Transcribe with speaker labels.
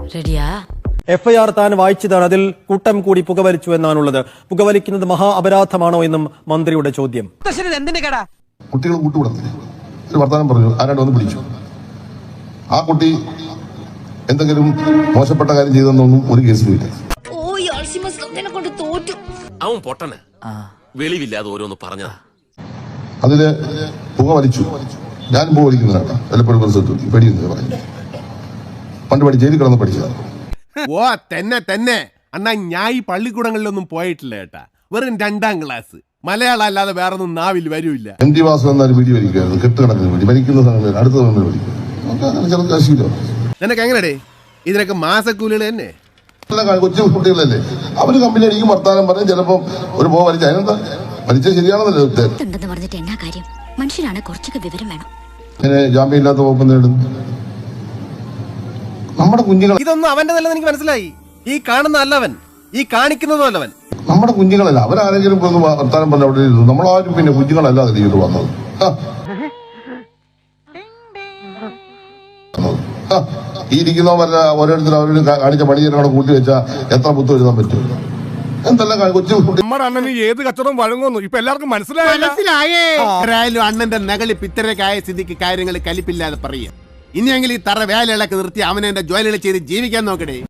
Speaker 1: റെഡിയാ?
Speaker 2: FIR താൻ വായിച്ചതാണ്. അതിൽ കൂട്ടം കൂടി പുകവലിച്ചു എന്നാണുള്ളത്. പുകവലിക്കുന്നത് മഹാ അപരാധമാണോ എന്നും മന്ത്രിയുടെ ചോദ്യം.
Speaker 3: കുട്ടികൾ കൂട്ടുകൂടത്തില്ല. ഒരു വർത്തമാനം പറഞ്ഞു, ആരാണ്ട് വന്ന് പിടിച്ചു. ആ കുട്ടി എന്തെങ്കിലും മോശപ്പെട്ട കാര്യം ചെയ്തെന്നൊന്നും ഒരു കേസിലുമില്ല.
Speaker 4: അവൻ പൊട്ടന് വെളിവില്ലാതെ ഓരോന്ന് പറഞ്ഞതാ.
Speaker 3: അതില് പുക വലിച്ചു. ഞാൻ പുക വലിക്കുന്നതാണ് വല്ലപ്പോഴും പരിസരത്ത് പേടിയെന്ന് പറഞ്ഞു. പണ്ട് ജയിലിൽ കിടന്ന് പഠിച്ചതാണ്.
Speaker 5: ഓ തന്നെ അണ്ണാ ഞാൻ ഈ പള്ളിക്കൂടങ്ങളിലൊന്നും പോയിട്ടില്ല കേട്ടാ. വെറും 2ാം ക്ലാസ്. മലയാളം അല്ലാതെ വേറൊന്നും നാവിൽ വരൂല്ല.
Speaker 3: MT വാസു എന്നാലും വീഡിയോ വലിക്കുമായിരുന്നു. കെട്ടുകണക്കിന് വേണ്ടി വലിക്കുന്ന സമയം അടുത്ത സമയം വലിക്കും.
Speaker 5: നിനക്ക് എങ്ങനെടേ ഇതിനൊക്കെ മാസക്കൂലികൾ തന്നെ?
Speaker 3: കൊച്ചു കുട്ടികളല്ലേ, അവര് കമ്പനി അടിക്കും, വർത്താനം പറയും. ചിലപ്പോ ഒരു പോ വലിച്ച അതിനെന്താ വലിച്ച ശരിയാണെന്നല്ലേ
Speaker 1: പറഞ്ഞിട്ട് എന്നാ കാര്യം? മനുഷ്യരാണ്, കുറച്ചൊക്കെ വിവരം വേണം.
Speaker 3: ഇങ്ങനെ ജാമ്യം ഇല്ലാത്ത വകുപ്പ് നേടും. നമ്മുടെ കുഞ്ഞുങ്ങൾ
Speaker 5: ഇതൊന്നും അവന്റെ നല്ലത് എനിക്ക് മനസ്സിലായി. ഈ കാണുന്ന അല്ലവൻ, ഈ കാണിക്കുന്നതും അല്ലവൻ.
Speaker 3: നമ്മുടെ കുഞ്ഞുങ്ങളല്ല. അവരാരെങ്കിലും വർത്താനം പറഞ്ഞ അവിടെ ഇരുന്നു. നമ്മളാരും പിന്നെ കുഞ്ഞുങ്ങളല്ലാതെ ഇത് വന്നത്. ഈ ഇരിക്കുന്നവരല്ല ഓരോരുത്തരും അവരോട് കാണിച്ച പണിയെ കൂട്ടി വെച്ചാൽ എത്ര പുത്തം എഴുതാൻ പറ്റും? എന്തെല്ലാം കൊച്ചു
Speaker 6: നമ്മുടെ അണ്ണന് ഏത് കച്ചവടം വഴങ്ങുന്നു ഇപ്പൊ എല്ലാവർക്കും മനസ്സിലായേ.
Speaker 5: അണ്ണന്റെ നകളി പിത്തരക്കായ സ്ഥിതിക്ക് കാര്യങ്ങൾ കലിപ്പില്ലാതെ പറയുക. ഇനിയെങ്കിലും ഈ തറ വേലകളൊക്കെ നിർത്തി അവനെ എന്റെ ജോലികൾ ചെയ്ത് ജീവിക്കാൻ നോക്കണേ.